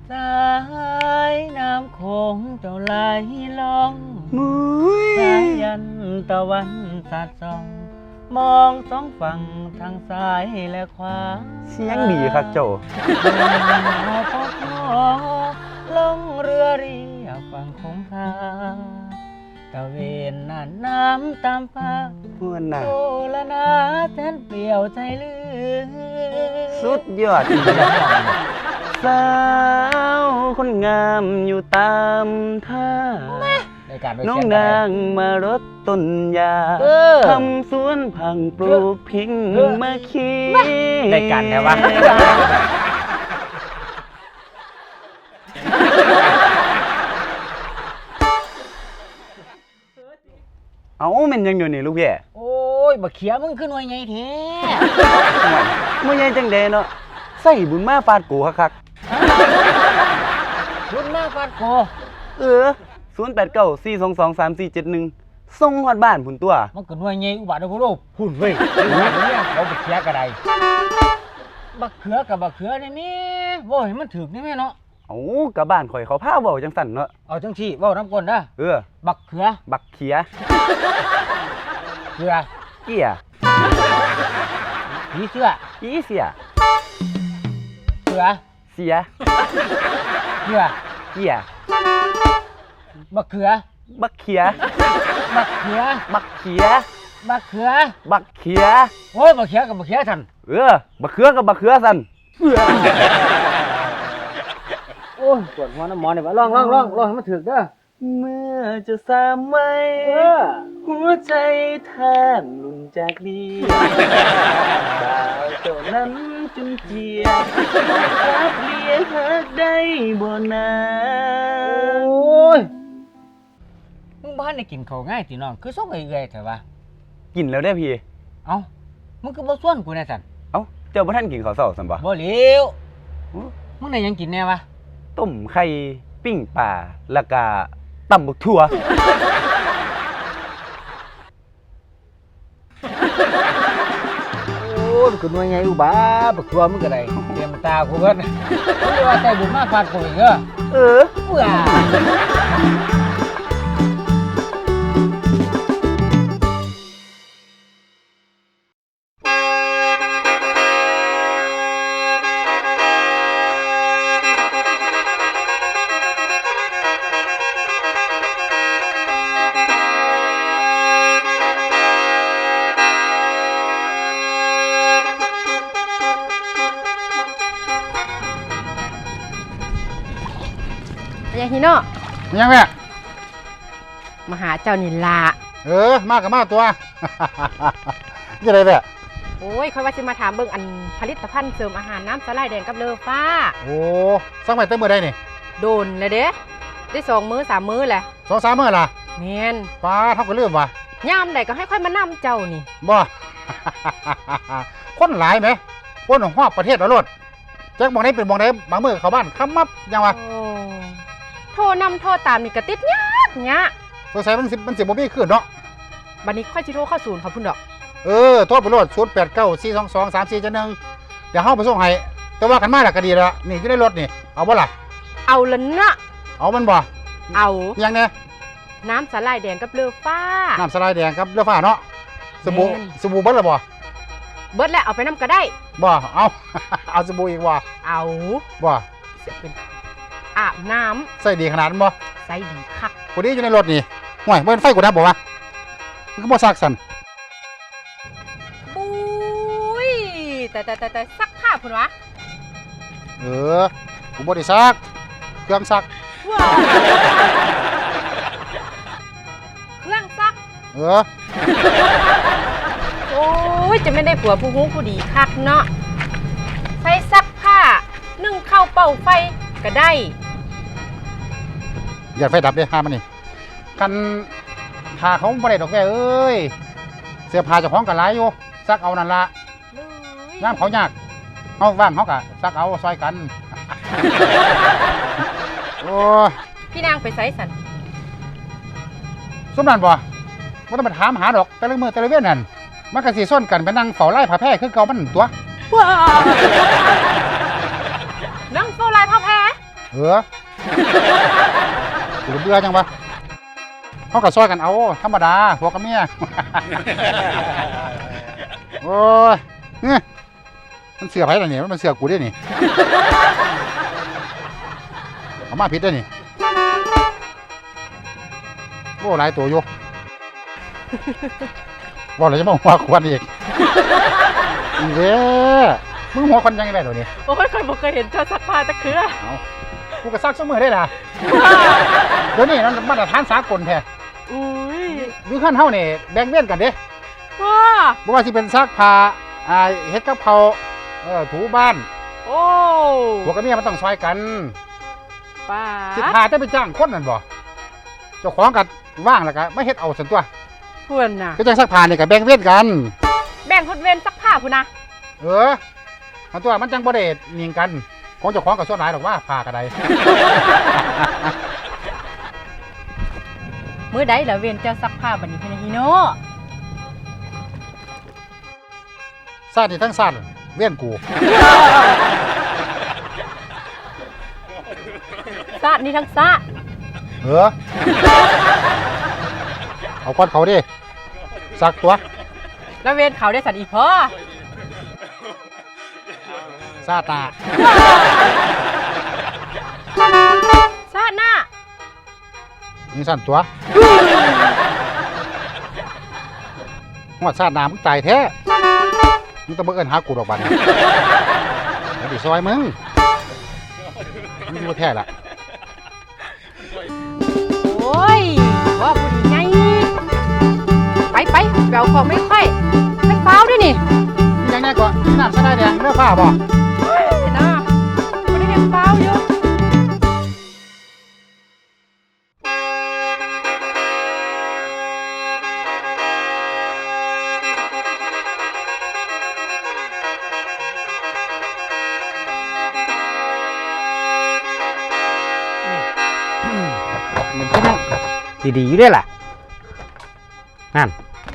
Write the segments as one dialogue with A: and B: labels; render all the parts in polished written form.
A: สายน้ำโขงเจ้าไหลล่องสายันตะวันสาดส่องมองสองฝั่งทางซ้ายและขวา
B: เสียงดีครับโจ
A: พบลงเรือเรียบฝั่งคงคาตะเวนน่านน้ำตามฟ้า
B: ม่วนน่ะ
A: โอละนาแทนเปลี่ยวใจลือ
B: สุดยอดสาวคนงามอยู่ตามท่าน้องนางมารดต้นยาทำสวนผังปลูกพิงมาคี
A: ได้กันแต่ว่า
B: เอาแม่นยังอยู่นี่ลูกแย่
A: โอ้ยบักเขียมึงขึ้นไว้ไงแท้
B: เมื่อไงจังเดเนาะใส่บุญมาฟาดกูคัก
A: บุญมาฟาดโก
B: 089-422-3471ส่งฮอดบ้านพุ่นตัว
A: มันขึ้นไว้ไงอุบัติเหตุพุ่นเว้ยเนี่ยเขาบักเขียกระไดบักเขือกับบักเขือนี่แม่บ่ให้มันถึกนี่แม่เนาะ
B: เอากะบ้านข่อยเขาพาเว้าจังสั่นเนาะ
A: เอาจังซี่เว้านำก่อนนะบักเขือ
B: บักเขีย
A: เขือ
B: เกีย
A: ผีเสื้อ
B: ผีเสีย
A: เขือ
B: เสีย
A: เขือ
B: เกีย
A: บักเขือ
B: บักเขีย
A: บักเขือ
B: บักเขีย
A: บักเขือ
B: บักเขีย
A: โอ้ยบักเขือกับบักเขือสั่น
B: บักเขือกับบักเขือสั่น
A: โอ้ยปวดหัวน้ำหมอนี่ว่าลองให้มันถึกเด้อ
B: เมื่อจะสามไว้หัวใจแทบหลุนจากดีบ่าวเจ้านั้นจนเจียรับเลี้ยงหักได้บ่นา
A: โอ้ยมึงบ้านได้กินข้าวง่ายติน้องคือส่งเอื่อยๆเถอะวะ
B: กินแล้วได้พี่
A: เอ้ามึงคือบ่ส่วนกูแน่สั่น
B: เอ้าเจ้าบ่ทันกินข้าวเช้าซั่นบ่
A: บ่เหลวมึงได้ยังกินแน่วะ
B: ต้มไข่ปิ้งปลาแล้วก็ตำบักถั่ว
A: โอ้ยมันคือหน่วยไงอุบาบักถั่วมึงก็ได้เตรียมตากูเบิดมึงสิว่าใจบุญมาฟาดกูอีกเบื่อ
C: ยังฮิโน่
D: ยังแม่
C: มาหาเจ้านิลา
D: มากับมาตัวยังไงแม่
C: โอ้ยค่อยว่าจะมาถามเบิ่งอันผลิตภัณฑ์เสริมอาหารน้ำสไลด์แดงกับเลอฟ้า
D: โอ้สักไปเต็มมือได้นี่
C: โดนเลยเด้ได้2 มื้อ 3 มื้อแหละ
D: 2-3 มื้อล่ะ
C: แม่น
D: ป้าเท่ากับเรื่องว่ะ
C: ยามใดก็ให้ค่อยมานำเจ้านี่
D: บ่คนหลายไหมคนของฮอบประเทศละรถแจ็คมองได้เป็นมองได้บางมื้อเข้าบ้านคำมับยังวะ
C: โทรนำโทรตามนี่กระติดยากเนี่ย
D: สงสัยมันสิบ่มีขึ้นเนาะ
C: บัดนี้ค่อยสิโทรเข้าศูนย์เขาพุ่นดอก
D: โทรไปรถ089-422-3471เดี๋ยวเฮาไปส่งให้แต่ว่ากันมาแล้วก็ดีแล้วนี่อยู่ในรถนี่เอาบ่ล่ะ
C: เอาละนะ
D: เอามันบ่
C: เอา
D: ยังไง
C: น้ำสไลด์แดงกับเลอฟ้า
D: น้ำสไลด์แดงกับเลอฟ้าเนาะสบู่เบิดแล้วบ่
C: เบิดแล้วเอาไปนำก็ได้
D: บ่เอาสบู่อีกบ่
C: เอา
D: บ่
C: เสียเป็นอาบน้
D: ำใส่ดีขนาดนั้นบ่
C: ใส่ดีคัก
D: คนนี้อยู่ในรถนี่ห่วยมันไฟกูนะบอกว่ามันก็บ่ซักสั่น
C: ปุ้ยแต่ซักผ้าพุ่นวะ
D: กูบ่ได้ซักเครื่องซัก
C: เครื่องซัก
D: โ
C: อ้ยจะไม่ได้ผัวผู้ฮู้ผู้ดีคักเนาะใส่ซักผ้านึ่งข้าวเป่าไฟก็ได้
D: อย่าไฟดับเลยห้ามมันนี่กันหาเขาบ่ได้ดอกแก่เอ้ยเสื้อผ้าเจ้าของกันหลายอยู่ซักเอานั่นละน้ำเขายากเอาว่างเขากะซักเอาซอยกันโอ้
C: พี่นางไปไสสัน
D: สมนั่นบ่ว่าต้องไปถามหาดอกแต่ละมือแต่ละเว้นนั่นมันก็สิส้นกันไปนั่งเฝ้าไล่ผ้าแพร่คือเก่ามันตัว
C: นั่งเฝ้าไล่ผ้าแพร่
D: กูเบื่อจังวะเขาก็ซอยกันเอาธรรมดาผัวกับเมีย โอ้ยเนี่ยมันเสือไผ่ละเนี่ยมันเสือกูได้นี่ เอามาผิดได้นี่โอ้หลายตัวอยู่ บอกเลยจะมาหัวควันอีก อีเว้ยมึงหัวควันยังไงแบบนี้
C: โอ้ยเคยบอกเคยเห็นเจ้าซักผ้าตะเคือ
D: เอากูก็ซักเสมอได้ล่ะ เดี๋ยวนี้มันมาตรฐานสากลแท้
C: อุ้ย
D: อยู่ขั้นเท่านี่แบ่งเว้นกันเด้
C: ว้า
D: บ่ว่าสิเป็นซักผ้าเฮ็ดกับเขาวถูบ้าน
C: โอ้
D: ผัวกับเมียมันต้องซอยกัน
C: ป้า
D: สิพาแต่ไปจ้างคนนั่นบ่เจ้าของกันว่างแล้วก็ไม่เฮ็ดเอาสันตัว
C: เพื่อนน่ะ
D: ก็จังซักผ้านี่ก็แบ่งเว้นกัน
C: แบ่งคนเว้นซักผ้าพุ่นนะ
D: อันตัวมันจังบ่ได้เนียงกันของเจ้าของก็ส่วนหลายดอกว่าผ้าก็ได้
C: มื้อใดล่ะเว้นเจ้าซักผ้าบัดนี้พี่นะฮิโน
D: ซาดนี่ทั้งซาดเว้นกู
C: ซาดนี่ทั้งซาด
D: เอาก้อนเขาดิซักตัว
C: แล้วเว้นเขาได้สันอีพ่อ
D: ซาตา
C: ซาดหน้า
D: นี่สั่นตัวหัวซาดน้ำมึงตายแท้มึงต้องมาเอิ้นหากูดอกบันมาดิซอยมึงมึงดูแท้ละ
C: โอ้ยว่าผู้ดีไงไปเราของไม่ค่อยไม่เฝ้าด้วยนี่
D: ยังไงก่อนน้ำสะได้แดงเลือผ้าบ่
C: เฮ้ยนะไม่ได้เห็นเฝ้าอยู่
A: มันก็นั่งดีๆอยู่ได้ล่ะนั่น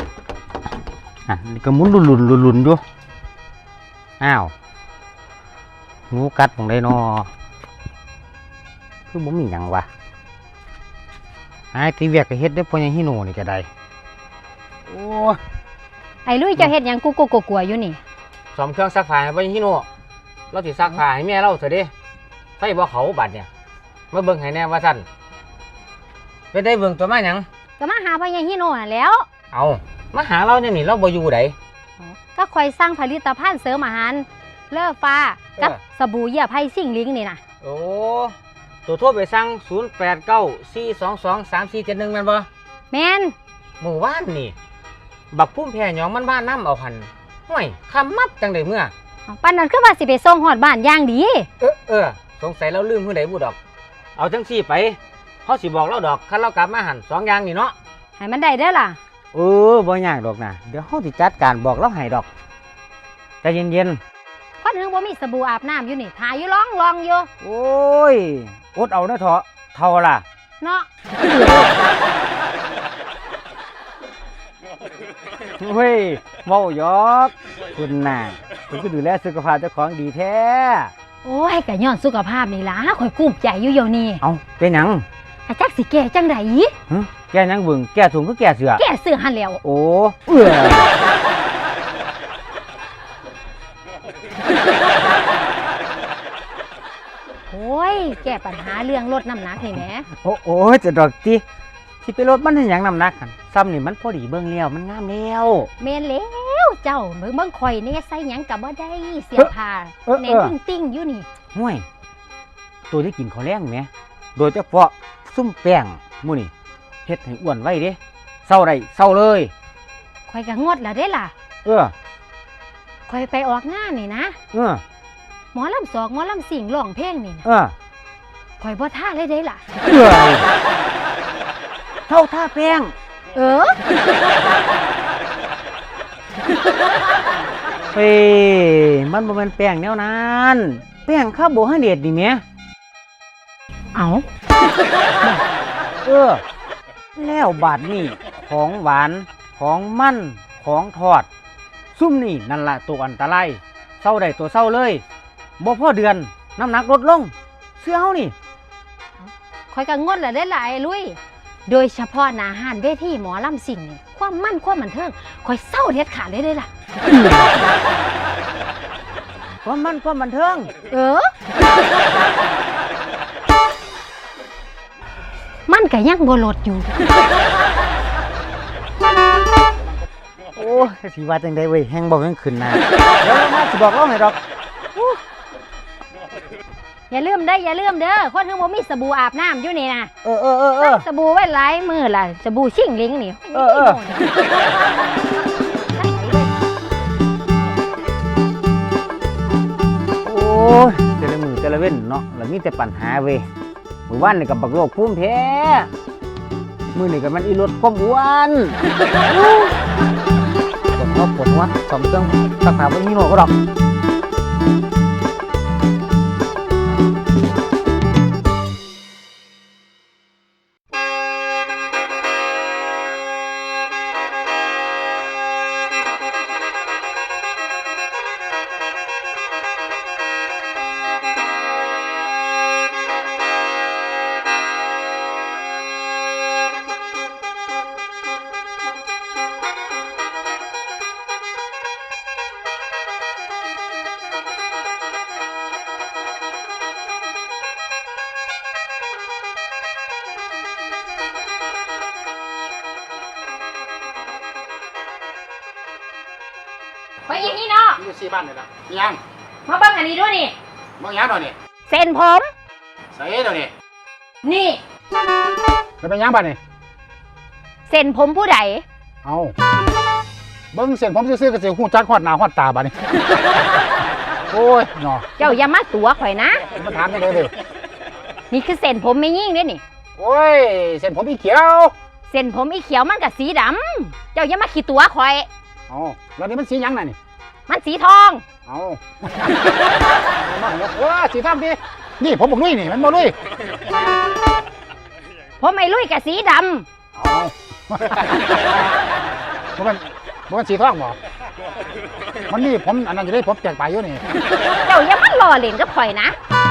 A: นี่ก็หมุนลุนอยู่อ้าวงูกัดของไดนอคือบ่มีหยังวะไอ้ตีเวียกก็เฮ็ดได้พอยังฮิโนนี่ก็ได้โอ้
E: ไอ้ลุยเจ้าเฮ็ดหยังกูกลัวๆอยู่นี่
A: ซ่อมเครื่องซักผ้าให้พอยังฮิโนเราสิซักผ้าให้แม่เราเถอะเด้ไฟบ่เขาบัดเนี่ยมาเบิ่งให้แน่ว่าซั่นเป็นได้เบิ่งตัวมาหยัง
E: ก็มาหาพ่อใหญ่ฮิโน่นั่นแหล้ว
A: เอามาหาเราเนี่ยนี่เราบ่อยู่ได
E: ก็คอยสร้างผลิตภัณฑ์เสริมอาหารเลิศฟ้ากับสบู่เหยื่อไผ่ซิ่งลิงนี่นะ
A: โอ้ตัวโทรไปสั่ง0894223471แม่นบ่
E: แม่น
A: เมื่อวานนี่บักพุ่มแพรหยองมันบ้านน้ำเอาหันห่วยคำมัดจังได้เมื่อ
E: ปานนั้นคือว่าสิไปส่งฮอดบ้านอย่างดี
A: สงสัยเราลืมผู้ใดผู้ดอก เอาจังซี่ไปเขาสิบอกเราดอกคันเรากลับมาหัน2อย่างนี่เนาะ
E: ให้มันได้เด้อล่ะ
A: บ่ยากดอกนะเดี๋ยวเขาสิจัดการบอกเราให้ดอกใจเย็น
E: คนถึงบ่มีสบู่อาบน้ำอยู่นี่ทาอยู่ร้องอยู่
A: ๆโอ้ยอดเอาเด้อเถาะเท่าล่ะ
E: เนาะ
A: เฮ้ยเว้าหยอกคุณน่ะคุณก็ดูแลสุขภาพเจ้าของดีแท้
E: โอ้ยก็ย้อนสุขภาพนี่ล่ะข่อยกุ้มใจอยู่เดี๋ยวนี้
A: เอาเป็นหยัง
E: อาจักสิแก้จังได๋
A: หึแก้หยังเบิ่งแก้ถุงคือแก้เสือ
E: แก้เสื้อหันแล้ว
A: โอ้
E: โอ้ยแก้ปัญหาเรื่องลดน้ำหนักนี่แหม
A: โอ้จะดอกติสิไปลดมันให้หยังน้ำหนักกันซ้ำนี่มันพอดีเบิ่งแล้วมันงามแล้ว
E: แม่นแล้วเจ้าเบิ่งข่อยนี่ใส่หยังก็บ่ได้เสียผ้าแหน่นติ้งๆอยู่นี่
A: ห่วยตัวที่กินข้าวแรงแหมโดยเฉพาะซุ่มแป้งหมู่นี่เฮ็ดให้อ้วนไว้เด้เศร้าได้เศร้าเลย
E: ข่อยก็งดแล้วเด้ล่ะ
A: เออ
E: ข่อยไปออกงานนี่นะ
A: เออ
E: หมอลำสอกหมอลำสิ่งร้องเพลงนี่นะ
A: เออ
E: ข่อยบ่ท่าเลยเด้ล่ะ
A: เอ้ยเท่าท่าแป้ง
E: เออ
A: เฮ้ยมันบ่แม่นแป้งแนวนั้นแป้งคาร์โบไฮเดรตนี่แหม
E: เอา
A: แล้วบาดนี้ของหวานของมันของทอด ซุ่มนี่นั่นล่ะตัวอันตรายเศร้าได้ตัวเศร้าเลยบ่พอเดือนน้ำหนักลดลงเสื้อเฮานี่
E: อยก็งดละได้หลายลุยโดยเฉพาะหน้าห้านเวทีหมอลำสิ่งนี่ความมั่นความบันเทิงคอยเศร้าเด็ดขาดเลยได้ล่ะ
A: ความมันความบันเทิง
E: เออ มันก็ยังบ่ลดอยู่
A: โอ้ยสิว่าจังได๋เว้ยแฮงบ่แม่งขึ้นหน้าเดี๋ยวเรามาสิบอกเราให้ดอก
E: อย่าลืมเด้อคนทั้งบ่มีสบู่อาบน้ำอยู่นี่นะ
A: เออ
E: ใส่สบู่ไว้หลายมือล่ะสบู่ชิ่งลิงนี่
A: เออ โอ้ยแต่ละมือแต่ละเว้นเนาะแล้วมีแต่ปัญหาเว้ยมื้อวานนี่ก็บักโรคภูมิแพ้มื้อนี้ก็มันอีรถความอ้วนปวดหัวสองเครื่องรักษาบ่มีโรคก็ดอก
C: ไปอย่างนี้เนาะ
D: อยู่4บ้านนี่ล่ะมีหยัง
C: มาเบิ่งอันนี้ด้วยนี่
D: บ่หยังดอกนี่
E: เส้นผม
D: ใส่เดี๋ยวนี้
C: นี่
D: แล้วเป็นหยังบ้านนี่
E: เส้นผมผู้ใด
D: เอาเบิ่งเส้นผมซื่อๆก็สิฮู้จักฮอดหน้าฮอดตาบัดนี้ โอ้ยเนาะ
E: เจ้าอย่ามาตัวข่อยนะ
D: มาถามจังได๋เด้อ
E: นี่คือเส้นผมไม่ยิ่งเด้นี่
D: โอ้ยเส้นผมอีเขียว
E: เส้นผมอีเขียวมันกับสีดำเจ้าอย่ามาขี้ตัวข่อย
D: เอาแล้วนี่มันสีหยังน่ะนี่
E: มันสีทอง
D: เอามาหัวโอ้สีทำดินี่ผมบอกลุยนี่มันบอกลุย
E: ผมไม่ลุยกับสีด
D: เอามันสีทองบ่มันนี่ผมอันนั้นจะได้ผมแจกไปอยู่นี่
E: ำเจ้าอย่ามาหล่อเล่นกับข่อยนะ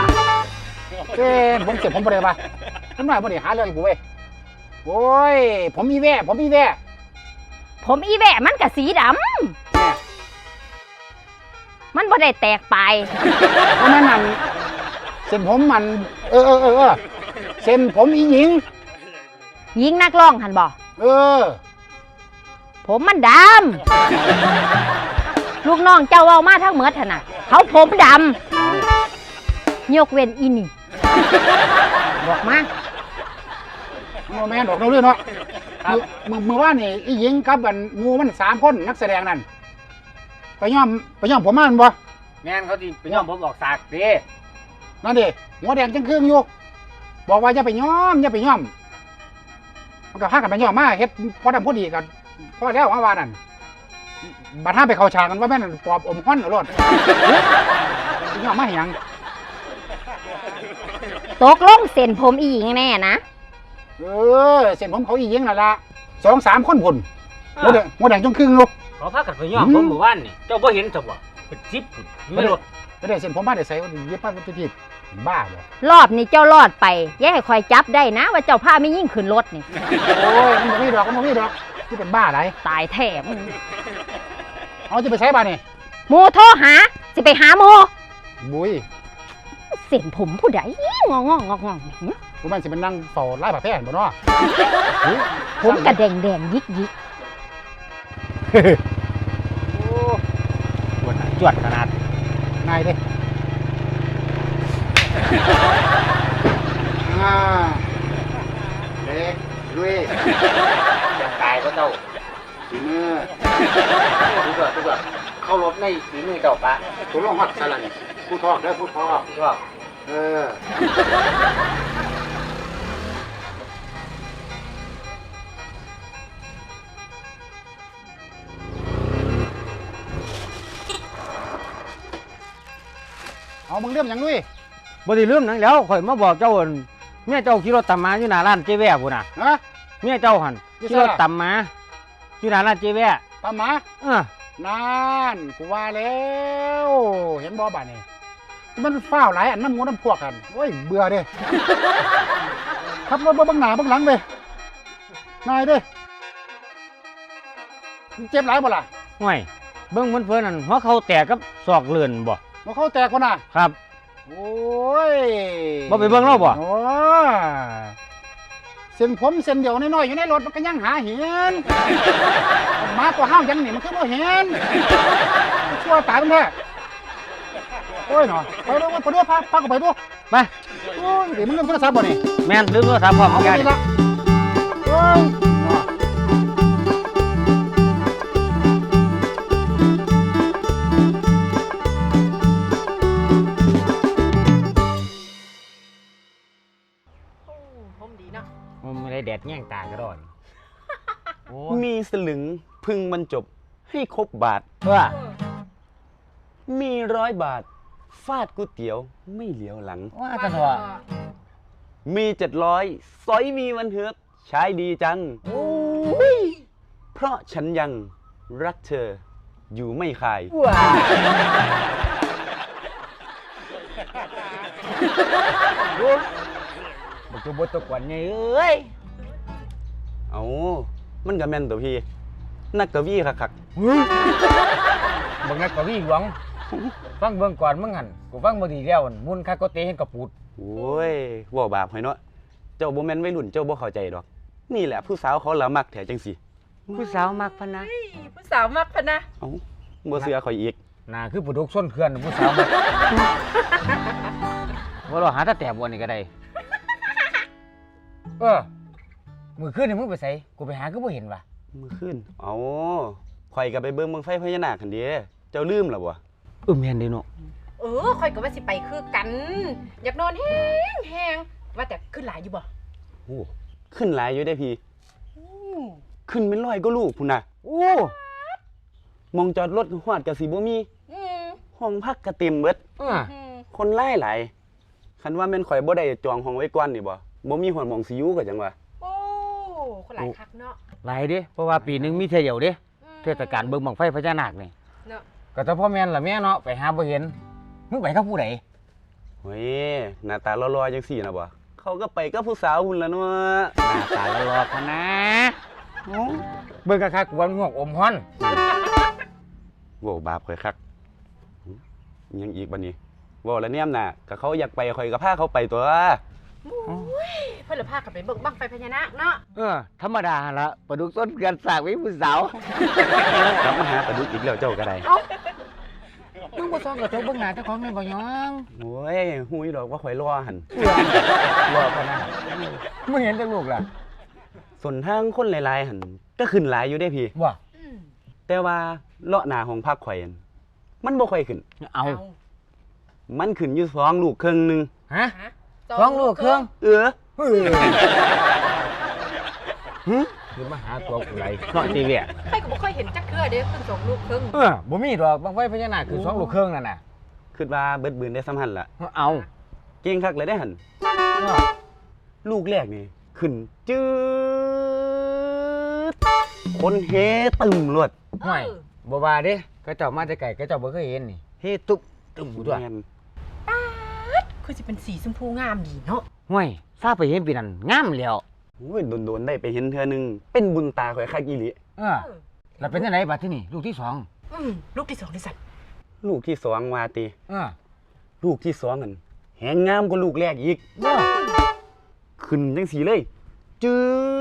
D: ผมเก็บผมบ่ได้ปะผมหน่อยบ่ได้หาเรื่องให้กูเว้ยโอ้ยผมมีแว่ผมมีแว่
E: ผมอีแหวะมันกับสีด
D: แม่
E: ำมันบ่ได้แตกไป
D: เพราะนั้นมันเส้นผมมันเออเส้นผมอีหญิง
E: ยิงนักร้องหันบ่
D: เออ
E: ผมมันดำลูกน้องเจ้าเอามาทั้งเมดหั่นน่ะเขาผมดำยกเว้นอีนี่บอกมา
D: แม่นดอกเราเรื่องเนาะมือว่านี่อีหญิงกับอันงูมัน3คนนักแสดงนั่นไปย่อมผมมามันบ่
A: แม่นเขาสิไปย่อมผมออกสากเด้
D: นั่นดิหัวแดงจังครึ่งอยู่บอกว่าอย่าไปย่อมมันก็พากันไปย่อมมาเฮ็ดพอดำพอดีกันพอแล้วว่านั่นบัดห้าไปเข้าฉากกันว่าแม่นปอบอมฮ้อนเอารถย่อมมาให้หยัง
E: ตกลงเส้นผมอีหญิงแน่นะ
D: เส้นผมเขาอีหญิงนั่นละ2-3 คนพุ่นหัวแดงจังครึ่งอยู่
A: เขาพากันไปย่อมผมเมื่อวานนี่เจ้าบ่เห็นซะบ่เป็น10พุ่นไม่รถ
D: ไม่ได้เส้นผมบ้านได้ใส่ว่าเย็บป้าทุกทีบ้าบ่
E: รอบนี้เจ้ารอดไปอย่าให้คอยจับได้นะ ว่าเจ้าพาไม่ยิ่งขึ้นรถนี่
D: โอ้ยมันบ่มีดอกที่เป็นบ้าไร
E: ตายแถม
D: เอาจะไปใช้บ้านนี่
E: โมโทรหาสิไปหาโม
D: บุย
E: เส้นผมผู้ใดงองนี่
D: กูมันสิเป็นนั่งเฝ้าไล่ผ้าแพร่บ่เนาะ
E: ผมกระแดงยิก
A: จวดขนาด
D: นายเด้เด็กลุย
A: ตายก็เจ้า
D: ฝีมือ
A: ทุกคนเข้ารถในฝีมือเจ้าปะ
D: ตัวลงฮอดซะละนี่ผู้ทอกเด้อผู้ทอก
A: ชอบ
D: เออเอามึงเรื่องหยังลุย
A: บ่ได้ลืมหนังแล้วข่อยมาบอกเจ้าอั่นเมียเจ้าขี่รถตามมาอยู่หน้าร้านเจ๊แว่พุ่นน่ะ
D: ฮะ
A: เมียเจ้าหั่น
D: อยู่
A: ขี่
D: ไส
A: ร
D: ล่ะ
A: ถตามมาอยู่หน้าร้านเจ๊แว่
D: ตามหมา นั่นกูว่าแล้วเห็นบ่บ้านนี่มันฟ้าวหลายอันน้ำมูน้ำพวกกันโอ้ยเบื่อเด้ขับรถบ่เบังหน้าเบังหลังไปนายเด้มึงเจ็บหลายบ่ล่ะ
A: ห่วยเบิ่งเพิ่นๆนั่นหัวเข่าแตกกับศอกเลื่อนบ่
D: บ่เข้าแตกคนน่ะ
A: ครับ
D: โอ้ย
A: บ่ไปเบิ่งเราบ่
D: โอ้เส้นผมเส้นเดียวน้อยๆอยู่ในรถมันก็ยังหาเห็นมาตัวห้าวยันนี่มันคือบ่เห็นชั่วตายมันแท้โอ้ยเนาะไปดูไปดูพากูไปดู
A: ไป
D: โอ้ยเดี๋ยวมึงเล่นโทรศัพท์บ่นี่
A: แม่นลืมโทรศัพท์พร้อม
D: เอา
A: กัน
D: ไปละโอ้ยเนาะ
C: ผมดีเนาะ
A: มันไม่ได้แดดแย่งตากระดอนโอ้
B: มีสลึงพึงบรรจบให้ครบบาท
A: เพื่อ
B: มี100 บาท ฟาดก๋วยเตี๋ยวไม่เหลียวหลัง
A: ว่าจะถั่ว
B: มี700สอยมีวันเฮือกใช้ดีจัง
A: โอ้ย
B: เพราะฉันยังรักเธออยู่ไม่คาย
A: ว้าบักตัวบดตะกวนไงเอ้ย
B: เอามันก็แม่นตัวพี่ นักกวีคัก
A: บักนักกวีหลวงฟังเบิ่งก่อนมึงหันกูฟังบ่ดีแล้วมุนคาโกเตเห็นกระปูด
B: ๆโอ้ยเว่าบาปให้เนาะเจ้าบ่แม่นวัยรุ่นเจ้าบ่เข้าใจดอก นี่แหละผู้สาวเขาละมักแถจังสิ
A: ผู้สาวมักพะนะ
C: ผู้สาวมักพะนะ
B: เอ้าบ่เสือข่อยอีก
A: น่าคือผู้ดกส้นเขื่อนผู้สาวมักว่าเราหาตาแตบวันนี้ก็ได้มือขึ้นนี่มึงไปใส่กูไปหาก็บ่เห็นว่ะ
B: มื้อคืนเอาข่อยก็ไปเบิ่งบังไฟพญานาคหั่นเด้เจ้าลืมแล้วบ่
A: แม่นเด้เนาะ
C: ค่อยก็ว่าสิไปคือกัน อยากนอนแห้งว่าแต่ขึ้นหลายอยู่บ่
B: โอ้ขึ้นหลายอยู่ได้พี่ ขึ้นเป็น100ก็ลูกพุ่นน่ะ
A: โอ้
B: มองจอดรถฮอดก็สิบ่มี
C: อืม
B: ห้องพักก็เต็มเบิด
C: อืม
B: คนหลายคันว่าแม่นข่อยบ่ได้จองห้องไว้ก่อนนี่บ่บ่มีหอนหม่องสิอยู่ก็จังว่า
C: โอ้คนหลายคักเนาะ
A: หลายเด้เพราะว่าปีหนึงมีเที่ยวเดียวเด้เทศกาลเบิ่งบังไฟพญานาคนี่
C: เนาะ
A: ก็แต่พ่อแม่นล่ะแม่เนาะไปหาบ่เห็นมึงไปกับผู้ใด
B: เฮ้ยหน้าตาหล่อๆจังซี่นะบ่เขาก็ไปกับผู้สาวหุ่นละเนาะ
A: หน้าตาหล่อๆพะนะเบิ่งคักๆกวนงอกอมฮ้อน
B: โว้บาปข่อยคักยังอีกบัดนี้เว้าแล้วแนมน่ะก็เขาอยากไปข่อยก็พาเขาไปตัว
C: เพิ่นละพากันไปเบิ่งบั้งไฟพญานาคเนาะ
A: ธรรมดาหั่นละปลาดุกต้นเกินสากไว้ผู้สาว
B: กลับมาหาปลาดุกอีกแล้วเจ้าก็ได้
A: มึงบ่ซ้อมกับเจ้าเบิ่งหน้าเจ้าของแม่นบ่ยอง
B: โอ้ยฮู้อยู่ดอกว่าข่อยรอหั่น
A: รอพะนะมึงเห็นแต่ลูกล่ะ
B: ส่วนทางคนหลายๆหั่นก็ขึ้นหลายอยู่เด้พี่
A: ว่า
C: อืม
B: แต่ว่าเลาะหน้าห้องพักข่อยนั่นมันบ่ค่อยขึ้น
A: เอา
B: มันขึ้นอยู่2ลูกครึ่งหนึง
A: ฮะ
C: ฮะ
A: สองลูกเครื่อง
B: เออ
A: คือมาหาตัวกูไรเนาะจีเวีย
C: ใครก็บ่เคยเห็นจักเทื่อเด้ขึ้น2ลูกครึ่ง
A: บ่มีดอกบังไฟพญานาคคือสองลูกเครื่องนั่นน่ะ
B: คิดว่าเบิดบืนได้ซ้ำหั่นล่ะ
A: เอา
B: เก่งคักเลยได้หั่นลูกแรกนี่ขึ้นจืดคนเฮตึมรวด
A: ห่วยบ่ว่าเด้ก็เจ้ามาแต่ไกลก็เจ้าบ่เคยเห็นนี่เฮ้ตุ๊บตึ้มอยู่ตัว
B: แม่น
C: คือสิเป็นสีชมพูงามดีเนาะ
A: ห่วยซาไปเห็นปีนั้นงามแล้ว
B: โอ้ยโดนๆได้ไปเห็นเทื่อหนึงเป็นบุญตาข่อยคักอีหลี
A: แล้วเป็นจังไดบัดที่นี่ลูกที่สอง
C: ลูกที่2ที่สัตว์
B: ลูกที่2ว่าติ
A: เออ
B: ลูกที่2นั่นแหงงามกว่าลูกแรกอีก ขึ้นจังสีเลย จื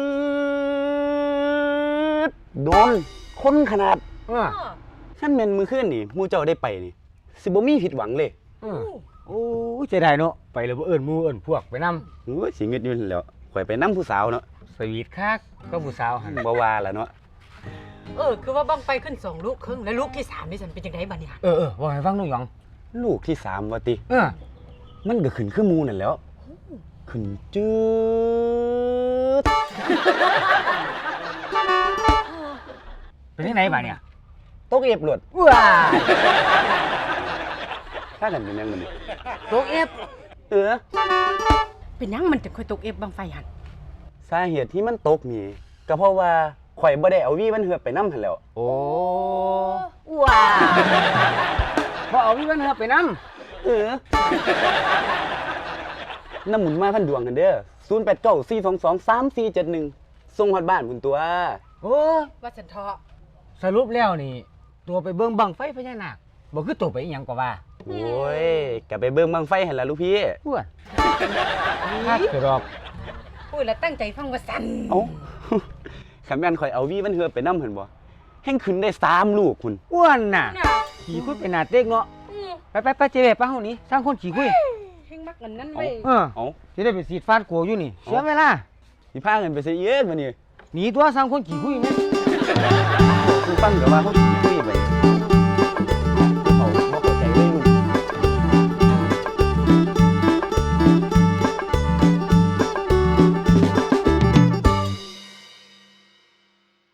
B: ดโดนคนขนาดขั้นแม่นมือขึ้นนี่หมู่เจ้าได้ไปนี่สิบ่มีผิดหวังเลย
A: โอ้ยเสียดายเนาะไปแล้วบ่เอิ้นหมู่เอิ้นพวกไปนำ
B: โอ้ยสิเงึดอยู่นั่นแหล้วข่อยไปนํผู้สาวเนาะ
A: สวีทคักก็ผู้สาวหั่น
B: บ่ว่าล่ะเนาะ
C: คือว่าบั้งไฟขึ้น2ลูกครึ่งแล้วลูกที่3นี่สันเป็นจังไดบัดเนี่ย
A: ว่าให้ฟังหน่อยหยอง
B: ลูกที่3ว่าติ
A: เออ
B: มันก็ขึ้นคือหมู่นั่นแหล้ว ขึ้นจืด
A: เป็นจังไดบัดเนี่ย
B: ตกเอฟหลด
A: ว้า
B: ถ้ากันเป็นยังมันนี่
A: ตกเอฟ
B: เออ
C: เป็นหยังมันถึงค่อยตกเอฟบั้งไฟหั่น
B: สาเหตุที่มันตกนี่ก็เพราะว่าข่อยบ่ได้เอาวีมันเหือบไปนำหั่นแหล้ว
A: โอ้ว้าบ่เอาวิวันเฮาไปนำ
B: เออน้ำหมุนมาพันดวงกันเด้อ0894223471ส่งฮอดบ้านพุ่นตัว
A: โอ้ย
C: ว่าฉันเถาะ
A: สรุปแล้วนี่ ตัวไปเบิ่งบังไฟพญานาคบ่คือตัวไปอีหยังก็ว่า
B: โอ้ยกลับไปเบิ่งบังไฟหั่นล่ะลูกพี่
A: อ้วนคักคือดอก
C: พูดแล้วตั้งใจฟังว่าสั่น
B: เอ้า คันแม่นข่อยเอาวีมันเฮือไปนำหั่นบ่แห่งขึ้นได้3ลูกคุณ
A: อ้วนน่ะ
C: น่ะ
A: ขี่คุยเป็นหน้าเต็กเนาะ
C: อืม
A: ไปเจ๊ไปเฮานี่สร้างคนขี่คุย
C: เฮงมักเงินนั้นเว้ย
A: เออ
B: เอ้า
A: สิได้ไปสีดฟาดกัวอยู่นี่เสียเวลา
B: สิพากันไปซิเอียดบัดนี้
A: หนีตัวสร้างคนขี่คุยแม่
B: คุณฟังก็ว่าเขาสิคุยไป